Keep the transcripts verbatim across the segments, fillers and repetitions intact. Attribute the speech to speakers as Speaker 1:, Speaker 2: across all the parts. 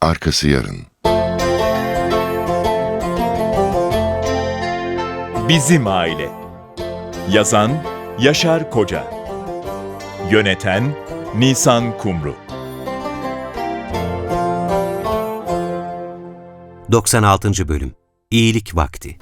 Speaker 1: arkası yarın.
Speaker 2: Bizim Aile. Yazan Yaşar Koca. Yöneten Nisan Kumru.
Speaker 3: doksan altıncı. Bölüm. İyilik Vakti.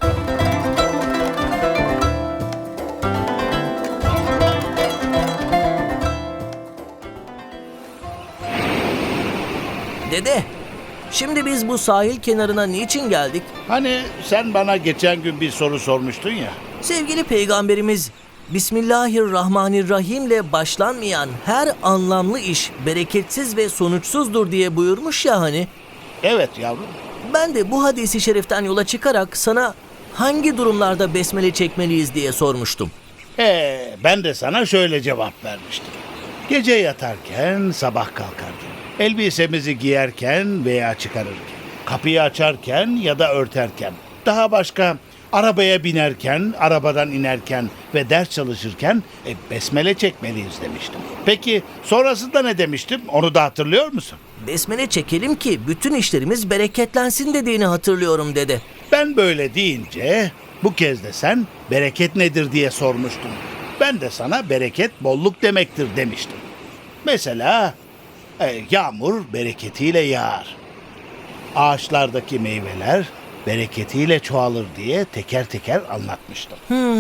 Speaker 4: Dede, şimdi biz bu sahil kenarına niçin geldik?
Speaker 5: Hani sen bana geçen gün bir soru sormuştun ya.
Speaker 4: Sevgili peygamberimiz, Bismillahirrahmanirrahim ile başlanmayan her anlamlı iş bereketsiz ve sonuçsuzdur diye buyurmuş ya hani.
Speaker 5: Evet yavrum.
Speaker 4: Ben de bu hadisi şeriften yola çıkarak sana hangi durumlarda besmele çekmeliyiz diye sormuştum.
Speaker 5: Ee, ben de sana şöyle cevap vermiştim. Gece yatarken, sabah kalkarken, elbisemizi giyerken veya çıkarırken, kapıyı açarken ya da örterken, daha başka arabaya binerken, arabadan inerken ve ders çalışırken e, besmele çekmeliyiz demiştim. Peki sonrasında ne demiştim? Onu da hatırlıyor musun?
Speaker 4: Besmele çekelim ki bütün işlerimiz bereketlensin dediğini hatırlıyorum dede.
Speaker 5: Ben böyle deyince bu kez de sen bereket nedir diye sormuştun. Ben de sana bereket bolluk demektir demiştim. Mesela e, yağmur bereketiyle yağar. Ağaçlardaki meyveler bereketiyle çoğalır diye teker teker anlatmıştım.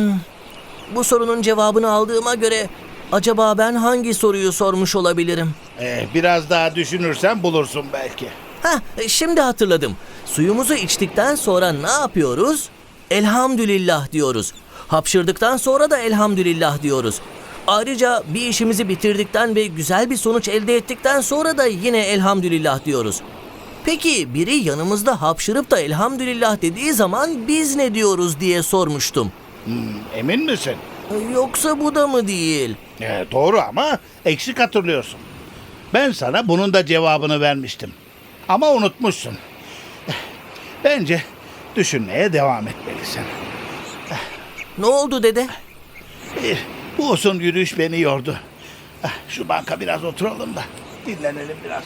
Speaker 4: Bu sorunun cevabını aldığıma göre acaba ben hangi soruyu sormuş olabilirim?
Speaker 5: E, biraz daha düşünürsen bulursun belki.
Speaker 4: Heh, şimdi hatırladım. Suyumuzu içtikten sonra ne yapıyoruz? Elhamdülillah diyoruz. Hapşırdıktan sonra da elhamdülillah diyoruz. Ayrıca bir işimizi bitirdikten ve güzel bir sonuç elde ettikten sonra da yine elhamdülillah diyoruz. Peki biri yanımızda hapşırıp da elhamdülillah dediği zaman biz ne diyoruz diye sormuştum.
Speaker 5: Hmm, emin misin?
Speaker 4: Yoksa bu da mı değil?
Speaker 5: E, doğru ama eksik hatırlıyorsun. Ben sana bunun da cevabını vermiştim. Ama unutmuşsun. Eh, Bence düşünmeye devam etmelisin.
Speaker 4: Ne oldu dede?
Speaker 5: Bir, bu uzun yürüyüş beni yordu. Eh, Şu banka biraz oturalım da dinlenelim biraz.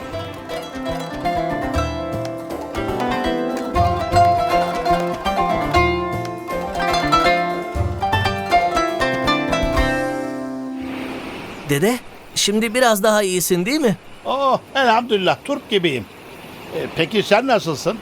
Speaker 4: Dede, şimdi biraz daha iyisin değil mi?
Speaker 5: Oh elhamdülillah turp gibiyim. E, peki sen nasılsın?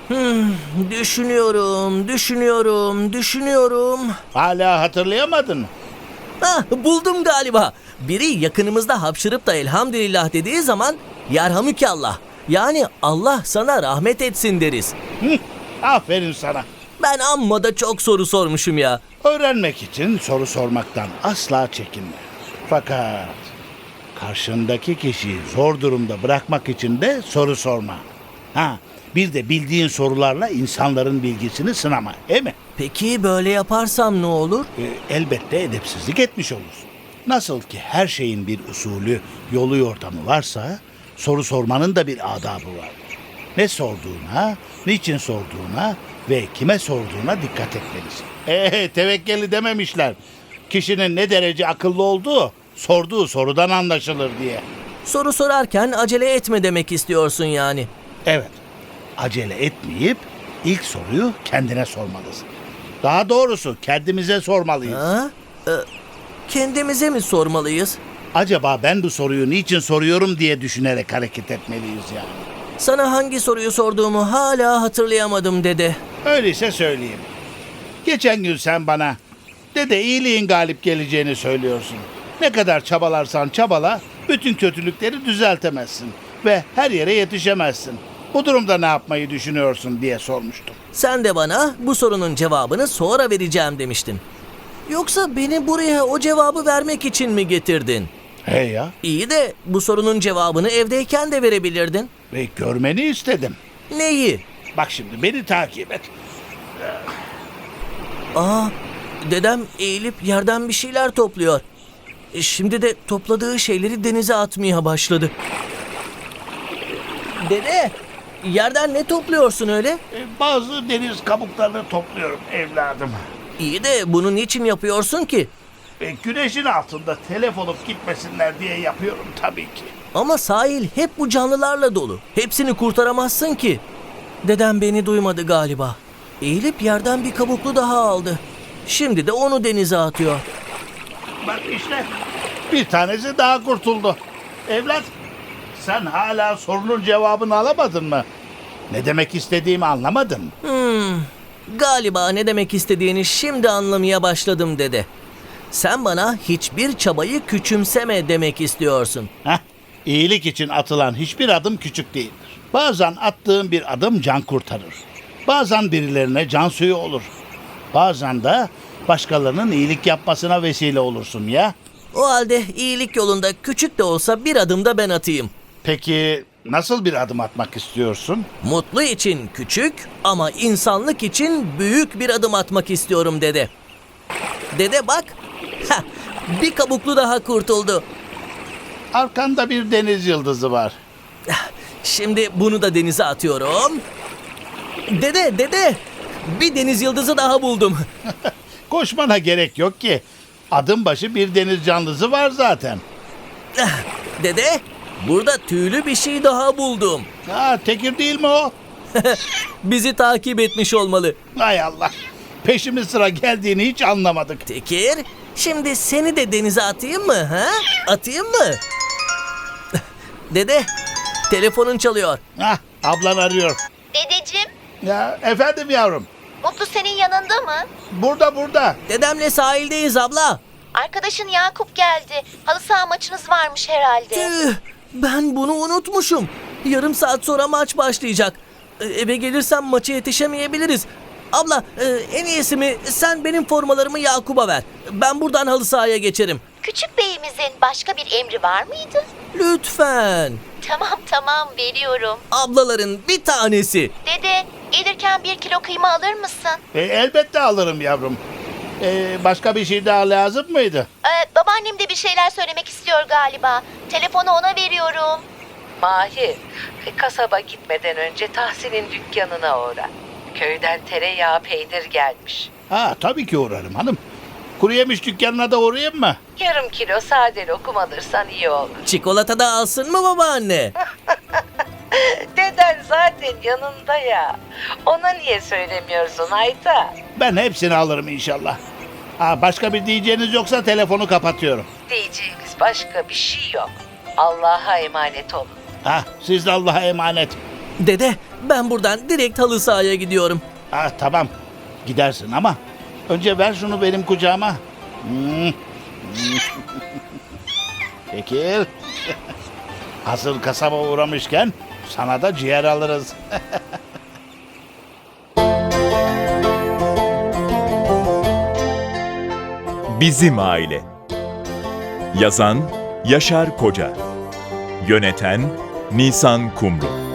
Speaker 4: Düşünüyorum, düşünüyorum, düşünüyorum.
Speaker 5: Hala hatırlayamadın mı?
Speaker 4: Ah, buldum galiba. Biri yakınımızda hapşırıp da elhamdülillah dediği zaman yerhamükallah. Yani Allah sana rahmet etsin deriz.
Speaker 5: Hı, aferin sana.
Speaker 4: Ben amma da çok soru sormuşum ya.
Speaker 5: Öğrenmek için soru sormaktan asla çekinme. Fakat karşındaki kişiyi zor durumda bırakmak için de soru sorma. Ha, bir de bildiğin sorularla insanların bilgisini sınama, değil mi?
Speaker 4: Peki böyle yaparsam ne olur?
Speaker 5: E, elbette edepsizlik etmiş olursun. Nasıl ki her şeyin bir usulü, yolu yordamı varsa, soru sormanın da bir adabı vardır. Ne sorduğuna, niçin sorduğuna ve kime sorduğuna dikkat etmelisin. Eee tevekkeli dememişler. Kişinin ne derece akıllı olduğu, sorduğu sorudan anlaşılır diye.
Speaker 4: Soru sorarken acele etme demek istiyorsun yani.
Speaker 5: Evet, acele etmeyip ilk soruyu kendine sormalısın. Daha doğrusu kendimize sormalıyız.
Speaker 4: Ha? Ee, kendimize mi sormalıyız?
Speaker 5: Acaba ben bu soruyu niçin soruyorum diye düşünerek hareket etmeliyiz yani.
Speaker 4: Sana hangi soruyu sorduğumu hala hatırlayamadım dede.
Speaker 5: Öyleyse söyleyeyim. Geçen gün sen bana dede iyiliğin galip geleceğini söylüyorsun. Ne kadar çabalarsan çabala bütün kötülükleri düzeltemezsin ve her yere yetişemezsin. Bu durumda ne yapmayı düşünüyorsun diye sormuştum.
Speaker 4: Sen de bana bu sorunun cevabını sonra vereceğim demiştin. Yoksa beni buraya o cevabı vermek için mi getirdin?
Speaker 5: Hey ya,
Speaker 4: İyi de bu sorunun cevabını evdeyken de verebilirdin.
Speaker 5: ve görmeni istedim.
Speaker 4: Neyi?
Speaker 5: Bak şimdi beni takip et.
Speaker 4: Aa, dedem eğilip yerden bir şeyler topluyor. E, Şimdi de topladığı şeyleri denize atmaya başladı. Dede, yerden ne topluyorsun öyle?
Speaker 5: E, Bazı deniz kabuklarını topluyorum evladım.
Speaker 4: İyi de bunu niçin yapıyorsun ki?
Speaker 5: E, güneşin altında telef olup gitmesinler diye yapıyorum tabii ki.
Speaker 4: Ama sahil hep bu canlılarla dolu. Hepsini kurtaramazsın ki. Dedem beni duymadı galiba. Eğilip yerden bir kabuklu daha aldı. Şimdi de onu denize atıyor.
Speaker 5: Bak işte bir tanesi daha kurtuldu. Evlat, sen hala sorunun cevabını alamadın mı? Ne demek istediğimi anlamadın.
Speaker 4: Hmm, galiba ne demek istediğini şimdi anlamaya başladım dede. Sen bana hiçbir çabayı küçümseme demek istiyorsun.
Speaker 5: Heh, iyilik için atılan hiçbir adım küçük değildir. Bazen attığın bir adım can kurtarır. Bazen birilerine can suyu olur. Bazen de başkalarının iyilik yapmasına vesile olursun ya.
Speaker 4: O halde iyilik yolunda küçük de olsa bir adım da ben atayım.
Speaker 5: Peki nasıl bir adım atmak istiyorsun?
Speaker 4: Mutlu için küçük ama insanlık için büyük bir adım atmak istiyorum dede. Dede bak, heh, bir kabuklu daha kurtuldu.
Speaker 5: Arkanda bir deniz yıldızı var.
Speaker 4: Şimdi bunu da denize atıyorum. Dede, dede, bir deniz yıldızı daha buldum.
Speaker 5: Koşmana gerek yok ki. Adım başı bir deniz canlısı var zaten.
Speaker 4: Dede, burada tüylü bir şey daha buldum.
Speaker 5: Ha, tekir değil mi o?
Speaker 4: Bizi takip etmiş olmalı.
Speaker 5: Hay Allah. Peşimiz sıra geldiğini hiç anlamadık.
Speaker 4: Tekir, şimdi seni de denize atayım mı? Ha? Atayım mı? Dede, telefonun çalıyor.
Speaker 5: Hah, ablan arıyor.
Speaker 1: Dedeciğim,
Speaker 5: Ya efendim yavrum.
Speaker 1: Mutlu senin yanında mı?
Speaker 5: Burada burada.
Speaker 4: Dedemle sahildeyiz abla.
Speaker 1: Arkadaşın Yakup geldi. Halı saha maçınız varmış herhalde.
Speaker 4: Tüh, ben bunu unutmuşum. Yarım saat sonra maç başlayacak. E, Eve gelirsem maça yetişemeyebiliriz. Abla, e, en iyisi mi sen benim formalarımı Yakup'a ver. Ben buradan halı sahaya geçerim.
Speaker 1: Küçük beyimizin başka bir emri var mıydı?
Speaker 4: Lütfen.
Speaker 1: Tamam tamam veriyorum.
Speaker 4: Ablaların bir tanesi.
Speaker 1: Dede, gelirken bir kilo kıyma alır mısın?
Speaker 5: E, elbette alırım yavrum. E, başka bir şey daha lazım mıydı?
Speaker 1: Ee, babaannem de bir şeyler söylemek istiyor galiba. Telefonu ona veriyorum.
Speaker 6: Mahir, kasaba gitmeden önce Tahsin'in dükkanına uğra. Köyden tereyağı peynir gelmiş.
Speaker 5: Ha, tabii ki uğrarım hanım. Kuru yemiş dükkanına da uğrayayım mı?
Speaker 6: Yarım kilo sade lokum alırsan iyi olur.
Speaker 4: Çikolata da alsın mı babaanne?
Speaker 6: Deden zaten yanında ya. Ona niye söylemiyorsun Ayta?
Speaker 5: Ben hepsini alırım inşallah. Ha, başka bir diyeceğiniz yoksa telefonu kapatıyorum.
Speaker 6: Diyeceğimiz başka bir şey yok. Allah'a emanet olun.
Speaker 5: Ha, siz de Allah'a emanet.
Speaker 4: Dede, ben buradan direkt halı sahaya gidiyorum.
Speaker 5: Ha, tamam. Gidersin ama önce ver şunu benim kucağıma. Hmm. Peki. Hazır kasaba uğramışken sana da ciğer alırız.
Speaker 2: Bizim Aile. Yazan Yaşar Koca. Yöneten Nisan Kumru.